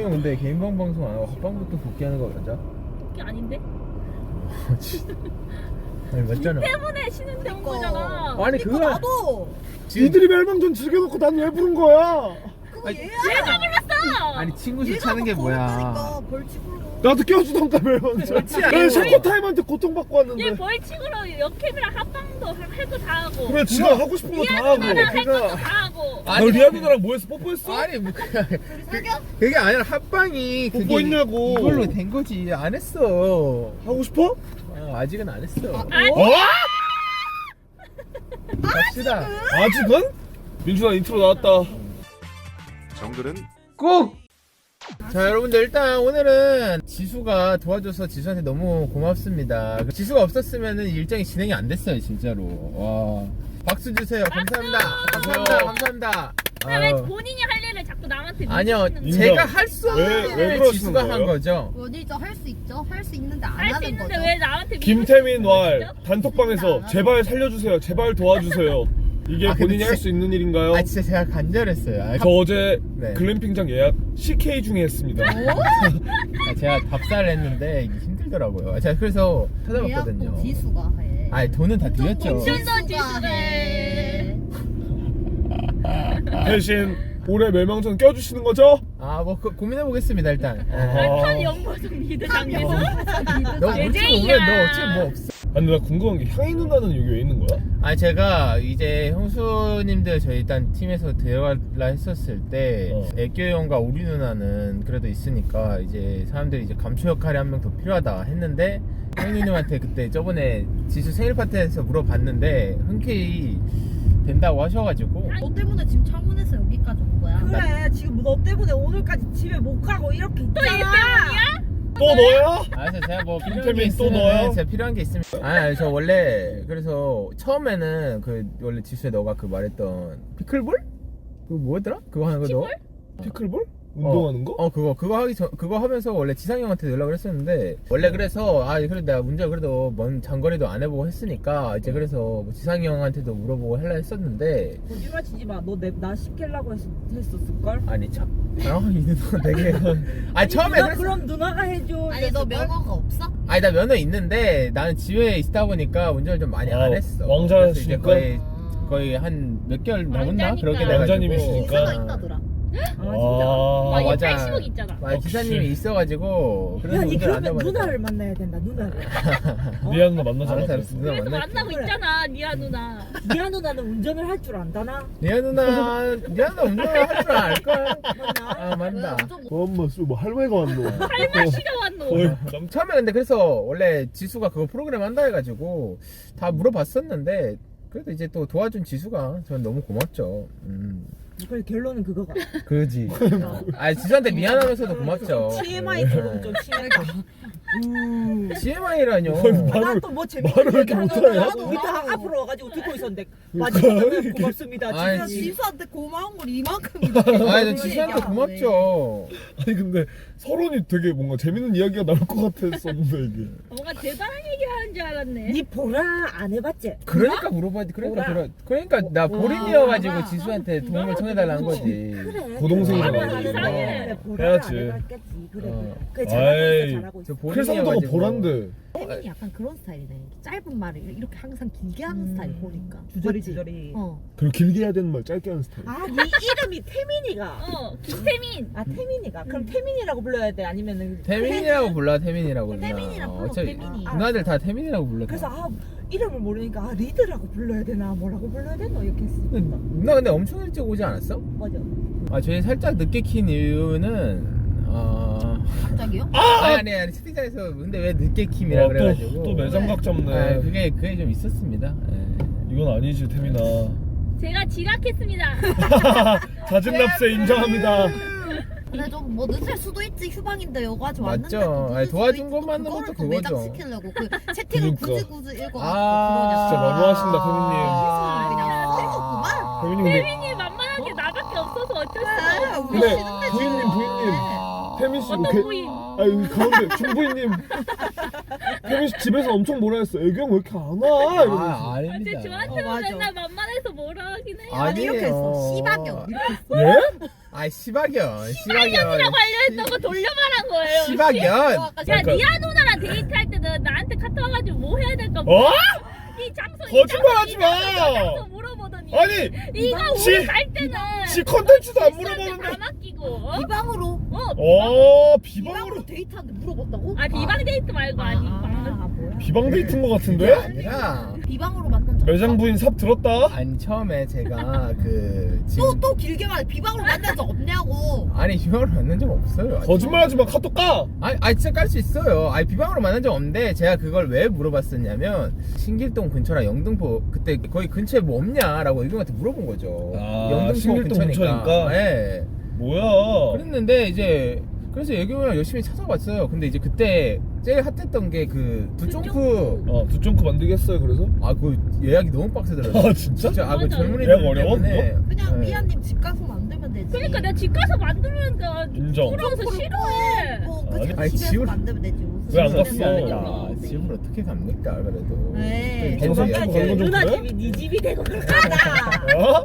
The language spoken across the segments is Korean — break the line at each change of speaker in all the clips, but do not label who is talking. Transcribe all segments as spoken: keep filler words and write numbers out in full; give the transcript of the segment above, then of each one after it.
지수는 근데 개인방 방송 안 하고 합방부터 복귀하는 거 맞아?
복귀 아닌데?
아니 맞잖아.
때문에 쉬는데 온 거잖아.
아니 그거
나도
니들이 멸망전 즐겨놓고 난 왜 부른 거야?
그거 얘야.
얘가 불렀어.
아니 친구 수 차는 게 뭐야?
벌칙으로.
나도 껴주던가 멸망전.
그렇지
난
않아.
샤코 타임한테 고통받고 왔는데.
얘 벌칙으로 역캠이랑 합방도 해도 다 하고.
그래 지가 하고 싶은 거 다 하고.
리아누나랑 할
그거-
것도 다 하고.
너 리아 누나랑 뭐했어? 뽀뽀했어?
아니 뭐 그냥 그게 아니라 합방이 그게
뽀뽀했냐고.
이걸로 된 거지. 안 했어.
하고 싶어?
어, 아직은 안 했어.
아니.
어?
갑시다.
아직은? 민준아 인트로 나왔다.
정글은
꼭! 자 여러분들 일단 오늘은 지수가 도와줘서 지수한테 너무 고맙습니다. 지수가 없었으면 일정이 진행이 안 됐어요 진짜로. 와 박수 주세요. 감사합니다. 감사합니다. 감사합니다.
왜
아유.
본인이 할 일을 자꾸 남한테
아니요
밀어주시는
인정.
제가 할 수
왜-
없는
왜
일을
그러시는
지수가 한
거예요?
거죠.
어디죠? 할 수 있죠. 할 수 있는데 안
할수
하는
있는데
거죠.
왜 나한테
김태민 왈
거죠?
단톡방에서 제발 살려주세요. 제발 도와주세요. 이게
아, 근데
본인이 할
제-
수 있는 일인가요?
아 진짜 제가 간절했어요. 아,
저 어제
네.
글램핑장 예약 씨케이 중에 했습니다.
아, 제가 답사를 했는데 이게 힘들더라고요. 아, 제가 그래서 찾아봤거든요.
예약도 지수가 해.
아니 돈은 다 드렸죠.
운전도 지수래.
대신 올해 멸망전 껴주시는 거죠?
아뭐 그, 고민해 보겠습니다 일단. 예.
아.
판 영보성 리드 장에서.
너 우측
제제이야.
오면 너 어차피 뭐 없어.
아니 나 궁금한 게 향이 누나는 여기 왜 있는 거야?
아니 제가 이제 형수님들 저희 일단 팀에서 들어갈라 했었을 때
어.
애교 형과 우리 누나는 그래도 있으니까 이제 사람들이 이제 감초 역할이 한 명 더 필요하다 했는데 형님한테 그때 저번에 지수 생일 파티에서 물어봤는데 흔쾌히 된다고 하셔가지고
너 때문에 지금 창문에서 여기까지 온 거야.
그래 지금 너 때문에 오늘까지 집에 못 가고 이렇게
또 일
있잖아.
때문이야?
또 너야?
아, 그래서 제가 뭐 필요한 게
김태민 또
있으면
넣어요?
제가 필요한 게 있으면 아니 저 원래 그래서 처음에는 그 원래 지수에 너가 그 말했던 피클볼? 그거 뭐였더라? 그거 하는 거 너?
피클볼? 운동하는 거?
어 그거 그거 하기 전 그거 하면서 원래 지상이 형한테 연락을 했었는데 원래 그래서 아 그래 내가 문제 그래도 먼 장거리도 안 해보고 했으니까 이제 그래서 뭐 지상이 형한테도 물어보고 하려 했었는데
거짓말 치지 마. 너 나 시키려고 했, 했었을 걸.
아니 참아이 누나 되게 아 처음에
누나
그랬어.
그럼 누나가 해줘.
아니 너 면허가 없어?
아니 나 면허 있는데 나는 집에 있다 보니까 운전을 좀 많이
아,
안 했어.
왕자시니까?
그래서 이제 거의 거의 한 몇 개월 남았나
왕자니까.
그렇게 돼가지고
왕자님이시니까.
기사가 있다더라.
아 진짜.
아,
아, 얘
맞아.
팔십억 있잖아.
아, 기사님이 있어가지고 그래서
야, 니
운전 안
그러면
해봤는데.
누나를 만나야 된다. 누나를. 어?
리아 누나 만나잖아.
알았어 알았어 누나
그래서
만날게.
만나고
그래.
있잖아, 니아 누나.
미아 누나는 운전을 할 줄 안다나?
리아 누나 리아 누나 운전을 할 줄 알걸?
맞나?
아 맞다.
엄마 뭐 할머니가 왔노.
할머니가 왔노.
거의 남-
처음에 근데 그래서 원래 지수가 그거 프로그램 한다 해가지고 다 물어봤었는데 그래도 이제 또 도와준 지수가 전 너무 고맙죠. 음
그래 결론은 그거가.
그지. 아 지수한테 미안하면서도 고맙죠.
티엠아이처럼 좀 심하게. 음.
씨엠아이라뇨.
난또뭐 재밌는
말을 왜
얘기
이렇게
하다가
못하냐?
나도 밑에 앞으로 와가지고 듣고 있었는데 마지막에 고맙습니다.
아이,
진짜
지-
지수한테 고마운 걸 이만큼.
아니 지수한테 고맙죠.
아니 근데 서론이 되게 뭔가 재밌는 이야기가 나올 것 같았었는데 이게.
뭔가 대단한 얘기 하는 줄 알았네.
니 보라 안 해봤지?
그러니까 물어봐야지. 그러니까
보라.
그러, 그러니까 나 보린이어가지고 지수한테 도움을 청해달라는 거지.
그래.
고동생이잖아.
아, 이상해.
해야지.
해야지. 그래.
어.
그래 잘하고
아이.
있어 잘하고
저
있어.
클성도가
보린이어가지고.
보란데.
태민이 약간 그런 스타일이네. 짧은 말을 이렇게 항상 길게 하는 스타일 보니까.
주저리
맞지?
주저리.
어.
그리고 길게 해야 되는 말 짧게 하는 스타일.
아, 네 이름이 태민이가.
어, 김태민.
아, 태민이가. 그럼 태민이라고 불러야 돼? 아니면은
태민이라고 불러 태민이라고 누나.
태민이라고 불러,
어차피
태민이.
누나들 다 태민이라고 불러.
그래서 아, 이름을 모르니까 아, 리드라고 불러야 되나 뭐라고 불러야 되나 이렇게 했어.
누나 근데 엄청 일찍 오지 않았어?
맞아.
아 저희 살짝 늦게 킨 이유는 어...
갑자기요?
아니 아니 아니 채팅창에서 근데 왜 늦게 킴이라
와,
그래가지고
또, 또 매장각 잡네.
아, 그게 그게 좀 있었습니다. 예.
이건 아니지 태민아.
제가 지각했습니다.
자진납세 인정합니다.
근데 좀 뭐 늦을 수도 있지. 휴방인데 여기까지
맞죠.
왔는데 또 늦을
아니,
수도
도와준
있고
것만으로도
그거를 또
그거죠.
매장시키려고 그 채팅을
그러니까.
굳이 굳이 읽어가지고
아,
진짜
그러냐.
너무하신다,
아,
태민님.
그냥 쓸거구만.
태민이 근데
태민이 만만한 게 나밖에 없어서 어쩔 수
그래,
없어.
우리
근데
쉬는데
부인님
지금.
부인님 태민 씨 이거
어떤
개-
부인?
아 여기 가운데 중부인님 태민 씨 집에서 엄청 뭐라 했어. 애경 왜 이렇게 안 와? 이러면서.
아
아, 쟤
아닙니다.
저한테만
어, 맞아.
맨날 만만해서 뭐라 하긴 해요.
아니 이렇게 했어.
아니에요.
씨박경 이렇게 했어.
예?
아이 시박연
시발년이라고 알려했던 거 돌려 말한 거예요.
시박연
야
그러니까-
니아 누나랑 데이트할 때는 나한테 카톡 와가지고 뭐 해야 될까?
어?
이 장소
거짓말하지
이
마!
장소, 이 장소 물어보더니
아니
이거
지-
우리 갈 때는
지 컨텐츠도 안
실수한테
물어보는데.
다 맡기고 어?
비방으로
어?
어 비방으로
비방으로 데이트하는데 물어봤다고?
아 비방 데이트 말고 아니
아,
방금
아 뭐야?
비방 데이트인 것
그게
같은데?
아니라
비방으로 만난 적
매장 부인 삽 들었다?
아니 처음에 제가 그 지금
또또 길게 말해 비방으로 만난 적 없냐고.
아니 비방으로 만난 적 없어요. 아니.
거짓말하지 마. 카톡 까.
아니, 아니 진짜 깔 수 있어요. 아니 비방으로 만난 적 없는데 제가 그걸 왜 물어봤었냐면 신길동 근처랑 영등포 그때 거기 근처에 뭐 없냐라고 의경한테 물어본 거죠.
아, 신길동 근처니까?
네.
뭐야?
그랬는데 이제 그래서 예경이랑 열심히 찾아봤어요. 근데 이제 그때 제일 핫했던 게 그 두쫑프
어 두쫑크 만들겠어요. 그래서?
아 그 예약이 너무 빡세더라고요.
아 진짜?
진짜 아그
맞아.
젊은이들
예약 어려워,
때문에
그냥
네.
미아님 집 가서 만들면 되지.
그러니까 내가 집 가서 만들려니까
인정.
부러워서 싫어해.
뭐,
아니,
그
아니,
집에서
집을-
만들면 되지. 무슨
왜안
집에서
갔어?
만들면
야,
되지.
집을 어떻게 갑니까 그래도.
네.
또
방송
이렇게
찍고 가는 건좀
누나
그래?
집이 네 집이 되고
어?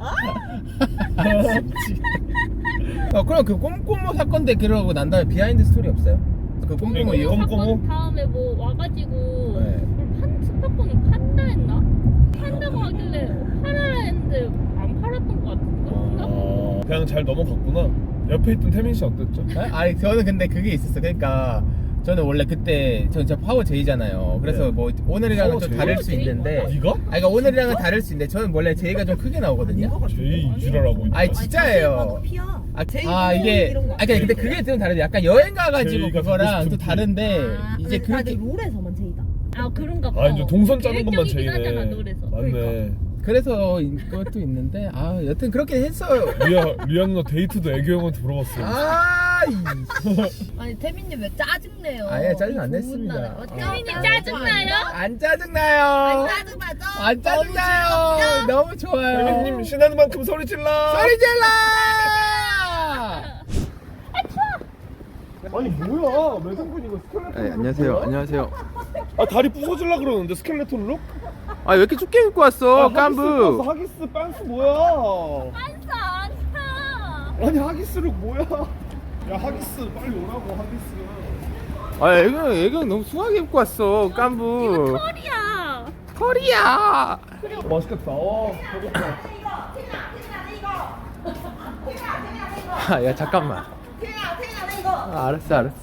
어, 그럼 그 꼼꼼모 사건 때 그러고 난 다음에 비하인드 스토리 없어요? 그 꼼꼼모
네,
이후?
꼼- 꼼꼼호?
사건 다음에 뭐 와가지고
네.
판 스파콘이 판다 했나? 판다고 하길래 팔아라 했는데 안 팔았던 것 같은데?
어, 그냥 잘 넘어갔구나. 옆에 있던 태민 씨 어땠죠?
네? 아니 저는 근데 그게 있었어. 그러니까 저는 원래 그때 전 진짜 파워 제이잖아요. 그래서
네.
뭐 오늘이랑은
파워
좀
제이?
다를 수
제이
있는데.
뭐야?
네가?
아니 그러니까 오늘이랑은 다를 수 있는데 저는 원래 제이가 좀 크게 나오거든요.
제이 이지랄하고 있다.
아니
아니,
진짜예요.
자세히 봐도 피야.
아,
제이
아
뭐
이게
이런 거.
아 근데 근데 그게 좀 다른데 약간 여행 가가지고
제이가
그거랑
갖고
또
싶은
다른데
아,
이제
근데 다들
그렇게
롤에서만 제이다.
아 그런가 봐.
아 이제 동선 짜는 것만
계획적이긴 하잖아,
제이네.
노래에서.
맞네.
그래서 그것도 있는데 아 여튼 그렇게 했어요.
리아 리아 누나 데이트도 애교 형한테 물어봤어.
아 이.
아니 태민님 왜 짜증내요?
아예 짜증 안
이 좋은
냈습니다.
날에.
어.
태민님
아,
짜증나요?
안 짜증나요.
안 짜증나죠?
안 짜증나요. 너무 좋아요.
태민님 신나는 만큼 소리 질러.
소리 질러.
아니 뭐야 매성분 이거 스켈레톤.
네, 안녕하세요. 안녕하세요.
아 다리 부서질라 그러는데 스켈레톤 룩?
아 왜 이렇게 춥게 입고 왔어,
아, 하기스
깐부?
입고 왔어, 하기스 빤스 뭐야?
반사 아니야.
아니 하기스 룩 뭐야? 야 하기스 빨리 오라고 하기스.
아 애경 애경 너무 수하게 입고 왔어, 깐부.
털이야.
털이야.
맛있겠다. 어 배고파.
아, 야 잠깐만. 아, 알았어, 알았어.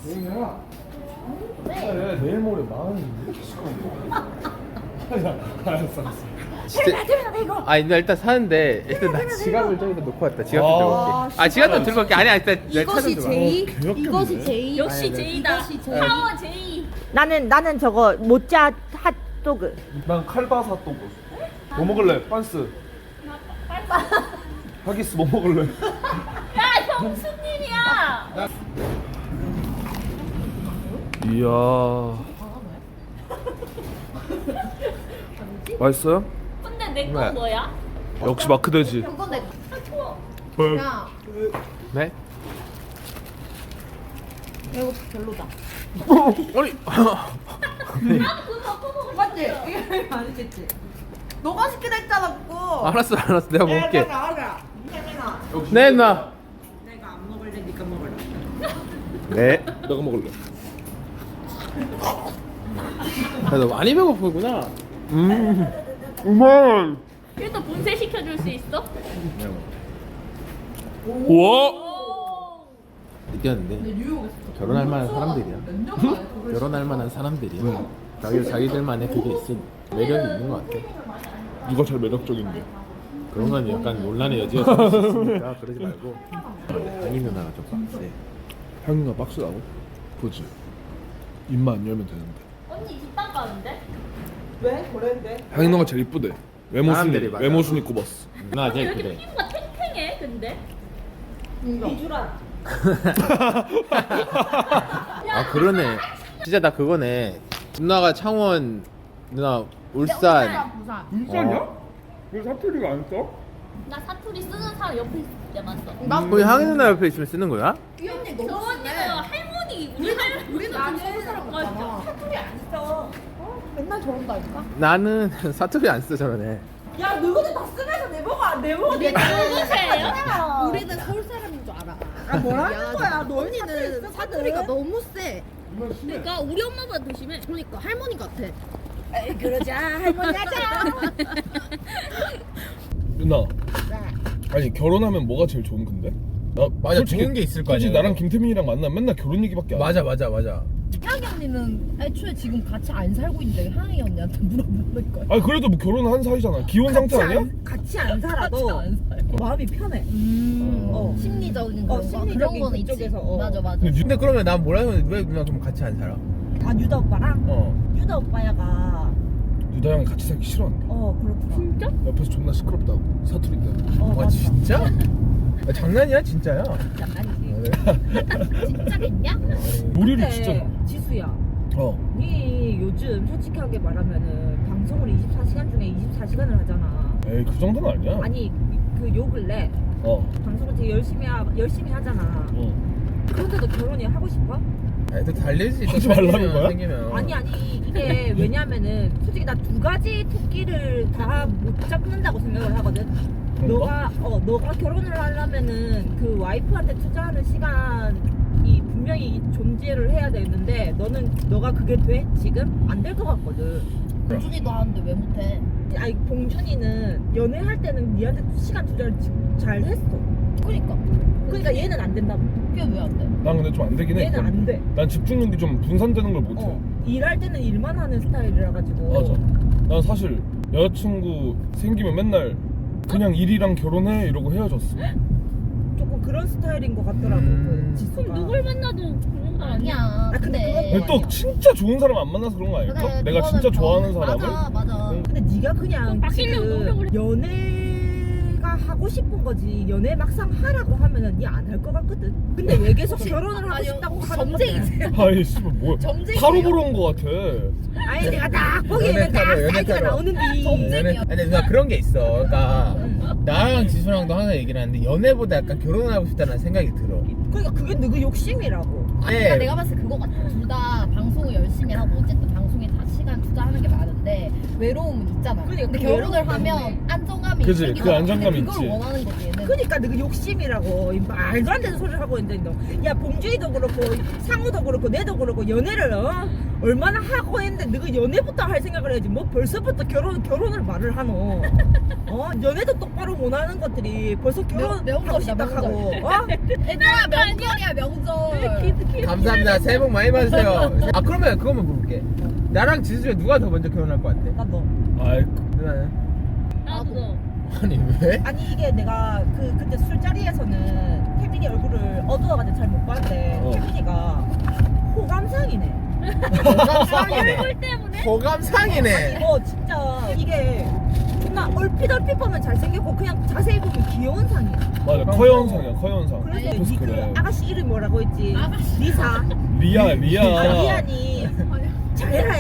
그래 내일 모레 나는 왜 이렇게 시끄러운데? 야 알았어 알았어.
진짜. 아, 나 일단 사는데 일단 나 지갑을 저기다 놓고 왔다. 지갑 좀
아,
들고 올게. 아, 지갑 좀 들고 올게. 아니야, 일단 내 차 좀
이것이
들어.
제이?
개역겹네.
이것이 제이?
역시
아니, 네.
제이다.
이것이 제이.
파워 제이.
나는 나는 저거 모짜 핫도그.
난 칼바사 또뭐 뭐 먹을래? 빤스. 하기스 뭐 먹을래?
야 형수님이야.
이야. 맛있어요?
근데 내 건
네.
뭐야?
역시 마크돼지.
그건 내
헐.
야
네?
이거 별로다.
아니.
맞지? 이게 아니겠지? 너가 시키다 했잖아 그거.
알았어, 알았어. 내가 먹을게.
나가라. 태민아.
네, 누나.
내가 안 먹을래, 니가 먹을래.
네.
내가 먹을래.
야, 너 많이 배고프구나.
음. 우만.
그래도 분쇄 시켜줄 수 있어?
우와.
느꼈는데 결혼할 만한 사람들이야. 결혼할 만한 사람들이야. 자기 자기들만의 그게 있어. 매력이 있는 것 같아.
누가 제일 매력적인데?
그런 건 약간 논란의 여지가 좀 있으니까 그러지 말고. 강희 누나가 좀 빡세.
향이가 박스라고? 보지. 입만 안 열면 되는데.
언니 뒷담 가는데?
왜? 그랬는데?
향이 누나가 제일 이쁘대. 외모 순위
사람들이 맞아.
외모 순위 꼽았어.
누나
왜
제일
이렇게
그래.
피부가 탱탱해 근데?
이주라.
아 그러네. 진짜 나 그거네. 누나가 창원, 누나 울산.
부산.
울산이야? 왜 사투리가 안 써?
나 사투리 쓰는 사람 옆에 있을 때만 써.
우리 향희 누나 옆에 있으면 쓰는 거야?
이 언니
저
너무
언니는 할머니 우리 할
우리는 안 서울 사람
맞아.
같잖아. 사투리 안 써. 어? 맨날 저런다니까.
나는 사투리 안 써 저러네.
야, 너희들 다 쓰면서 내 보고 내 보고 내
누구세요?
우리는 서울 사람인 줄 알아.
아 뭐라는
야,
거야? 너
언니는 사투리가 너무 세.
그러니까 우리 엄마보다 더 심해.
그러니까 할머니 같아.
에이, 그러자 할머니 하자.
누나. 아니 결혼하면 뭐가 제일 좋은 건데? 나
맞아,
솔직히-
좋은 게 있을 거
솔직히
아니야.
나랑 김태민이랑 만나면 맨날 결혼 얘기밖에 안 해.
맞아 맞아 맞아.
향이 언니는 애초에 지금 같이 안 살고 있는데 향이 언니한테 물어보는 거야.
아니 그래도 뭐 결혼한 사이잖아. 기혼 상태
같이
아니야?
안, 같이 안 살아도
같이 안 살고.
마음이 편해.
음,
어.
심리적인
어,
그런 거
심리적인
그런 거는 있지.
그쪽에서, 어.
맞아 맞아.
근데
근데 그러면 난 뭐라 하면 왜 누나 그럼 같이 안 살아?
아 유다 오빠랑
어.
유다 오빠야가
유다랑 같이 살기 싫어한다.
어 그렇구나.
진짜?
옆에서 존나 시끄럽다고 사투리 때문에.
어
와
맞다.
진짜? 아, 장난이야 진짜야?
장난이지.
진짜겠냐?
요리를
근데
진짜.
지수야.
어.
니 요즘 솔직하게 말하면은 방송을 이십사 시간 중에 이십사 시간을 하잖아.
에이 그 정도는 아니야.
아니 그 요 근래
어.
방송을 되게 열심히 하, 열심히 하잖아.
어.
그런데도 결혼이 하고 싶어?
아니 또 달래지. 또
하지 말라는
생기면,
거야?
생기면.
아니 아니 이게 왜냐면은 솔직히 나 두 가지 토끼를 다 못 잡는다고 생각을 하거든.
그런가?
너가 어 너가 결혼을 하려면은 그 와이프한테 투자하는 시간이 분명히 존재를 해야 되는데 너는 너가 그게 돼? 지금 안 될 것 같거든.
준이도 하는데 왜 못해?
아니 봉준이는 연애할 때는 니한테 시간 투자를 지- 잘 했어.
그러니까.
그러니까 얘는 안 된다고.
그게 왜 안 돼?
난 근데 좀 안 되긴 해.
얘는 안 돼.
난 집중력이 좀 분산되는 걸 못해.
어, 일할 때는 일만 하는 스타일이라 가지고.
맞아. 난 사실 여자친구 생기면 맨날 그냥 일이랑 결혼해 이러고 헤어졌어.
조금 그런 스타일인 것 같더라고.
음.
그 지수가.
그럼 누굴 만나도 그런 거 아니야?
아니야.
근데
근데
그건
근데 또 진짜 좋은 사람 안 만나서 그런 거 아닐까?
그래,
내가
그거는
진짜 좋아하는
뭐-
사람을.
맞아 맞아.
응.
근데 네가 그냥
바뀌려고 노력을
지금 연애가 하고 싶은 거지 연애 막상 하라고 하면은 니 안 할 것 같거든. 근데 왜 계속 결혼을 하고
아니,
싶다고
혹시
하는
점쟁이세요?
아이 씨발 뭐야?
점쟁이세요?
타로 보러 온 거 같아.
아니 내가 딱 거기에는
연애 타로,
딱
연애
사이즈가
타로.
나오는데
연애, 아니 누나 그런 게 있어. 그러니까
응.
나랑 지수랑도 항상 얘기를 하는데 연애보다 약간 결혼을 하고 싶다는 생각이 들어.
그러니까 그게 너그 욕심이라고.
그러니까
네.
내가 봤을 때 그거 같아. 둘 다 방송을 열심히 하고 어쨌든 방송에 다 시간 투자하는 게 많은데 외로움은 있잖아.
그러니까
근데
그
결혼을
외로움
하면
때문에.
안정감이
그치,
생기잖아.
그 안정감이
근데 그걸
있지.
원하는 거지 얘는.
그러니까 너그 욕심이라고 이 말도 안 되는 소리를 하고 있는데 너. 야 봉준이도 그렇고 상우도 그렇고 내도 그렇고 연애를 어? 얼마나 하고 했는데 너가 연애부터 할 생각을 해야지 뭐 벌써부터 결혼 결혼을 말을 하노. 어 연애도 똑바로 못 하는 것들이 벌써 결혼
명-
하고
명절이다,
싶다 하고
명절.
어?
얘들아 명절이야 명절.
감사합니다. 새해 복 많이 받으세요. 아 그러면 그거만 물어볼게. 나랑 지수 중에 누가 더 먼저 결혼할 것 같아?
나 너.
아이
누나는?
나도.
아니 왜?
아니 이게 내가 그 그때 술자리에서는 태민이 얼굴을 어두워가지고 잘 못 봤는데
어.
태민이가 호감상이네.
호감상이네.
얼굴 때문에?
호감상이네.
어 진짜 이게 존나 얼핏 얼핏 보면 잘생겼고 그냥 자세히 보면 귀여운 상이야.
맞아 커현상이야 커현상.
그래서
아니,
니 그
그래.
아가씨 이름 뭐라고 했지?
아가씨.
리사.
리아 리아.
리안이 잘해라.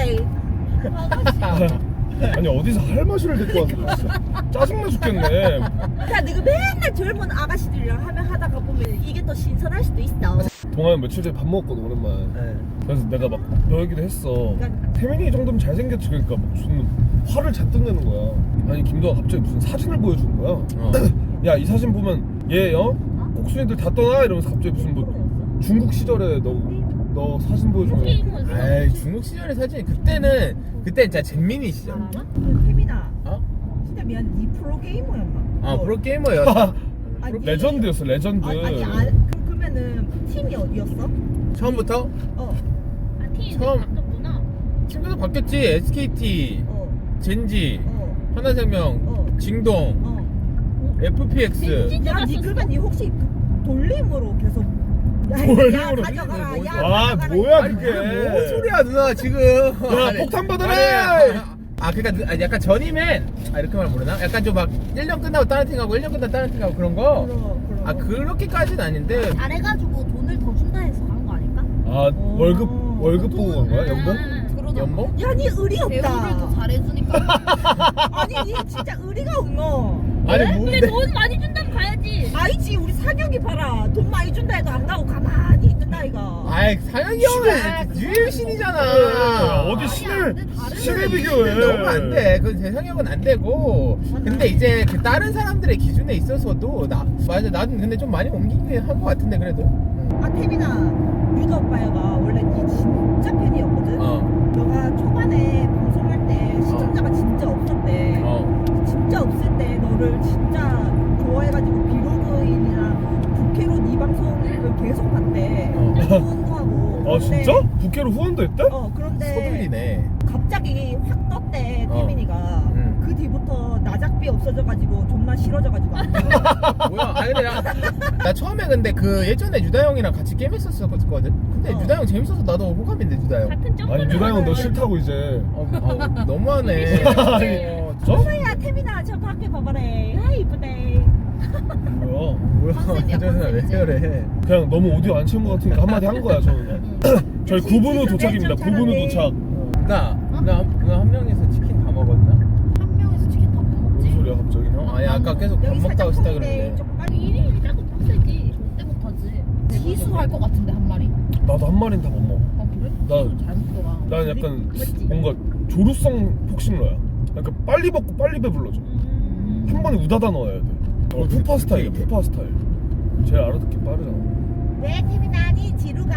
아니 어디서 할머니를 데리고 왔어 진짜 짜증나 죽겠네.
그러니까 너가 맨날 젊은 아가씨들이랑 하면 하다가 보면 이게 또 신선할 수도 있어.
동아는 며칠 전에 밥 먹었거든 오랜만에.
네.
그래서 내가 막 너 얘기를 했어.
그러니까
태민이 정도면 잘생겼지. 그러니까 막 무슨 화를 잔뜩 내는 거야. 아니 김도아 갑자기 무슨 사진을 보여주는 거야.
어.
야 이 사진 보면 얘 어? 꼭순이들 다 떠나 이러면서 갑자기 무슨 뭐 중국 시절에 너, 너 사진 보여주는 거.
에이 중국 시절의 사진이 그때는 그때 진짜 잼민이 시절.
그 태민아
어?
진짜 미안해. 니 프로게이머였나?
아
너-
프로게이머였어.
아니,
레전드였어 레전드.
아니, 아니 아, 그, 그러면은 팀이 어디였어?
처음부터
어,
아, 팀이
처음.
바뀌었구나.
친구도 바뀌었지. 에스케이티,
어,
젠지,
어,
하나생명,
어,
징동,
어.
에프피엑스.
진짜
야, 니
갔었어?
그러면 니 혹시 돌림으로 계속 야,
돌림으로?
야, 가져가라. 야,
아,
가져가라.
뭐야,
아니
그게.
그게 뭔 소리야 누나 지금.
야
아니,
폭탄 받아라.
아니, 아 그니까 아, 약간 전이면 아 이렇게 말하면 모르나? 약간 좀 막 일 년 끝나고 다른 팀 가고 일 년 끝나고 다른 팀 가고 그런 거?
그럼, 그럼.
아 그렇게까지는 아닌데
잘해가지고 돈을 더 준다 해서 간 거 아닐까?
아 월급 월급 보고 간 거야 연봉?
그러잖아.
연봉?
야, 니 의리
배우를 더
없다.
잘해주니까.
아니, 니 진짜 의리가 없노.
아니
근데
뭔데?
돈 많이 준다면 가야지.
아니지, 우리 사경이 봐라. 돈 많이 준다 해도 안 가고 가만히 있는 나이가.
아이 아이 상혁이 형은 유일신이잖아.
어디 신을
다른
신을 비교해.
너무 안 돼. 그 재상혁은 안 되고. 근데 이제 그 다른 사람들의 기준에 있어서도 나 맞아. 나는 근데 좀 많이 옮기긴 한 것 같은데 그래도.
아 태민아, 유가 오빠가 원래 니 진짜 팬이었거든.
어.
너가 초반에 방송할 때 시청자가 진짜 없었대.
어.
진짜 없을 때 너를 진짜 좋아해가지고 비로그인이랑 부캐로 네 방송을 계속 봤대.
어.
후원도 하고.
아
그런데-
진짜? 부캐로 후원도 했대?
어 그런데
서둘리네.
갑자기 확 떴대
어.
태민이가.
응.
그 뒤부터 나작비 없어져가지고 존나 싫어져가지고 안 돼.
뭐야? 아니 근데 나, 나 처음에 근데 그 예전에 유다 형이랑 같이 게임 했었거든. 근데
어.
유다 형 재밌어서 나도 호감인데 유다 형.
같은 점.
아니 유다 형은 너 싫다고 이제.
어, 어, 너무하네. 어,
저?
어머야 태민아 저 밖에 봐봐래. 아 이쁘대.
뭐야?
뭐야?
컨셉이야,
저는 왜
컨셉이지.
저래?
그냥 너무 오디오 안 채운 것 같으니까 한마디 한 거야 저는. 저희 구 분 후 도착입니다. 구 분 후 도착.
나, 나, 나한 명에서 치킨 다 먹었나?
한 명에서 치킨 다 못
뭔
먹지?
소리야 갑자기?
어? 아니 아까 계속 밥
여기
먹다고
살짝
싶다
통인데
그랬는데.
조금 빨리.
일 일 자꾸 빡세지.
절대 못하지. 희수할 것 같은데 한 마리.
나도 한 마리는 다 못 먹어.
아 그래?
나-
희수 잘 먹더라.
난 약간
맞지?
뭔가 조루성 폭식러야. 그러니까 빨리 먹고 빨리 배불러져.
음.
한 번에 우다다 넣어야 돼. 어, 푸파 스타일이야.
되게
푸파 스타일. 제일 알아듣기 빠르잖아.
네 태민아 니 지루가.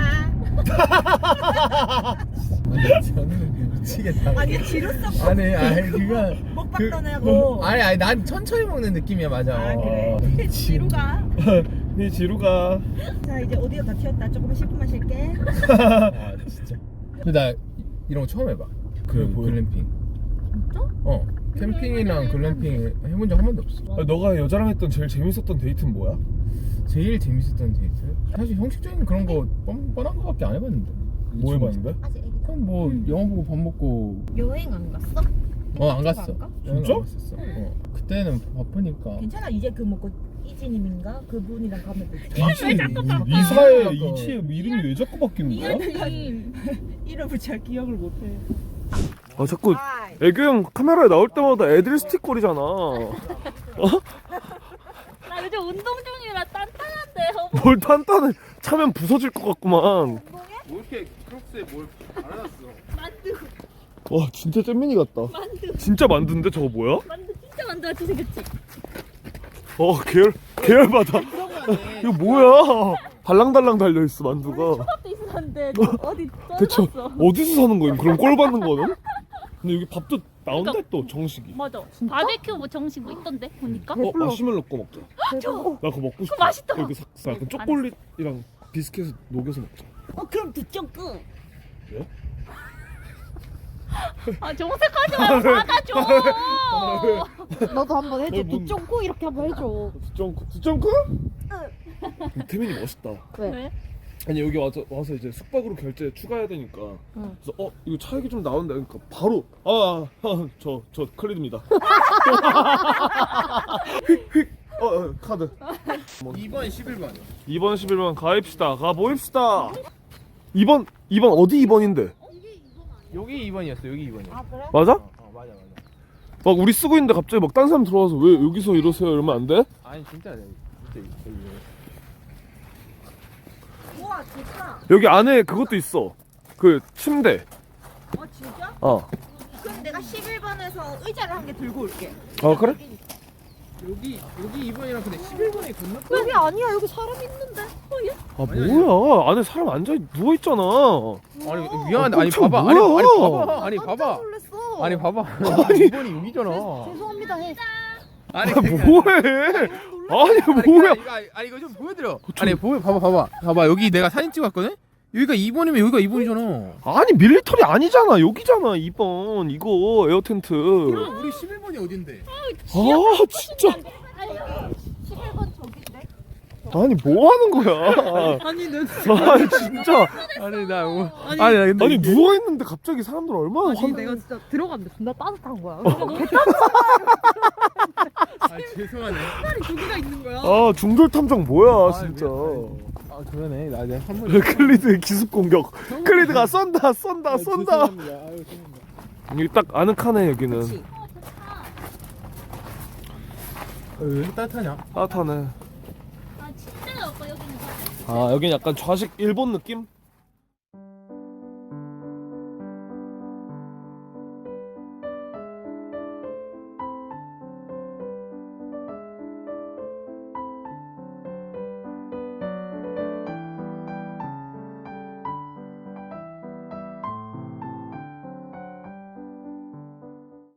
저는 미치겠다.
아니 지루성.
아니, 아니 그거
먹방 떠나고.
아니 아니 난 천천히 먹는 느낌이야 맞아.
아 그래.
어.
지루가.
네 지루가.
자 이제 오디오 다 튀었다. 조금만 쉴품만 쉴게.
아 진짜. 근데 나 이런 거 처음 해봐. 그
그래, 뭐야?
글램핑.
진짜?
어. 캠핑이랑 글램핑 해본 적 한 번도 없어.
아니, 너가 여자랑 했던 제일 재밌었던 데이트는 뭐야?
제일 재밌었던 데이트? 사실 형식적인 그런 거 뻔, 뻔한 거밖에 안 해봤는데.
뭐 해봤는데?
아직 애기다.
그럼 뭐 영화 보고 밥 먹고.
여행 안 갔어?
어 안
일찍
갔어.
안 가?
여행
진짜?
안 갔었어. 어. 그때는 바쁘니까.
괜찮아 이제 그 뭐고 이지님인가 그분이랑 가면 되지.
왜 자꾸 바꿔?
이사의
바꿔.
이치의 이름이 왜 자꾸 바뀌는 거야?
이현님.
이름을 잘 기억을 못해.
아 자꾸
아이.
애교 형 카메라에 나올 때마다 애들 스틱거리잖아. 어?
나 요즘 운동 중이라 단단한데.
뭘 단단해. 차면 부서질 것 같구만.
뭐 이렇게 크록스에 뭘 알아놨어?
만두.
와 진짜 잼민이 같다.
만두.
진짜 만두인데 저거 뭐야?
만두 진짜 만두같이 생겼지.
어 계열 계열받아. 이거 뭐야? 달랑달랑 달려 있어 만두가.
초밥도 있었는데 어디
대체
떨어졌어.
어디서 사는 거임? 그럼 꼴 받는 거는? 근데 여기 밥도 나온다 또 정식이.
맞아. 바베큐 뭐 정식 뭐 있던데 보니까.
어 마시멜로 꺼 먹자. 나 그거 먹고 싶어.
맛있다.
여기 사, 사, 약간 초콜릿이랑 비스켓을 녹여서 먹자.
어 그럼 두쪽 끄.
예?
아 정색하지 말고 받아줘.
너도 한번 해줘.
어, 뭔-
두쫑고 이렇게 한번 해줘.
두점크 두점크? 태민이 멋있다.
왜?
왜?
아니 여기 와서 와서 이제 숙박으로 결제 추가해야 되니까.
응.
그래서 어 이거 차액이 좀 나온다. 그러니까 바로 아저저 저 클리드입니다. 휙휙 어, 어 카드.
이 번 십일 번.
이 번 십일 번 가입시다. 가 모입시다. 이 번 이 번 어디 이 번인데?
여기 이 번이었어. 여기 이 번이야.
그래?
맞아?
어, 어 맞아 맞아.
막 우리 쓰고 있는데 갑자기 막 딴 사람 들어와서 왜 여기서 이러세요 이러면 안 돼?
아니 진짜 진짜 여기 여기.
우와 좋다.
여기 안에 그것도 있어. 그 침대.
어 진짜?
어.
그럼 내가 십일 번에서 의자를 한 개 들고 올게.
어 그래?
여기 여기 이 번이랑 근데 십일 번에 건너.
여기 아니야. 여기 사람 있는데.
아 뭐야? 안에 사람 앉아 누워 있잖아.
아니 미안한데
어,
아니
깜짝
봐봐. 아니
뭐야?
아니 봐봐. 아니
깜짝
봐봐.
놀랐어.
아니 봐봐. 이 번이 여기잖아.
죄송합니다 해.
아니
아
그러니까-
뭐해? 아니
아니,
뭐야?
이거, 아니 이거 좀 보여드려. 아니 보여 봐봐 봐봐 봐봐 여기 내가 사진 찍었거든. 여기가 이 번이면 여기가 이 번이잖아.
아니 밀리터리 아니잖아. 여기잖아 이 번 이거 에어 텐트.
그럼 우리 십일 번이 어딘데?
아 진짜.
십일 번 저기인데.
아니 뭐 하는 거야?
아니 너
아 진짜.
아니 나 뭐,
아니,
아니 나 근데
아니
이게-
누워 있는데 갑자기 사람들 얼마나
아니
환.
내가 진짜 들어갔는데 존나 따뜻한 거야.
아 죄송하네.
팔이 두 개가 있는 거야.
아 중돌 탐정 뭐야 진짜.
아 그러네 나 이제 한 번.
클리드의 기습 공격. 클리드가 쏜다 쏜다 쏜다. 여기 딱 아늑하네 여기는.
그치?
왜 따뜻하냐?
따뜻하네.
아 침대가 없고 여기는.
아 여긴 약간 좌식 일본 느낌?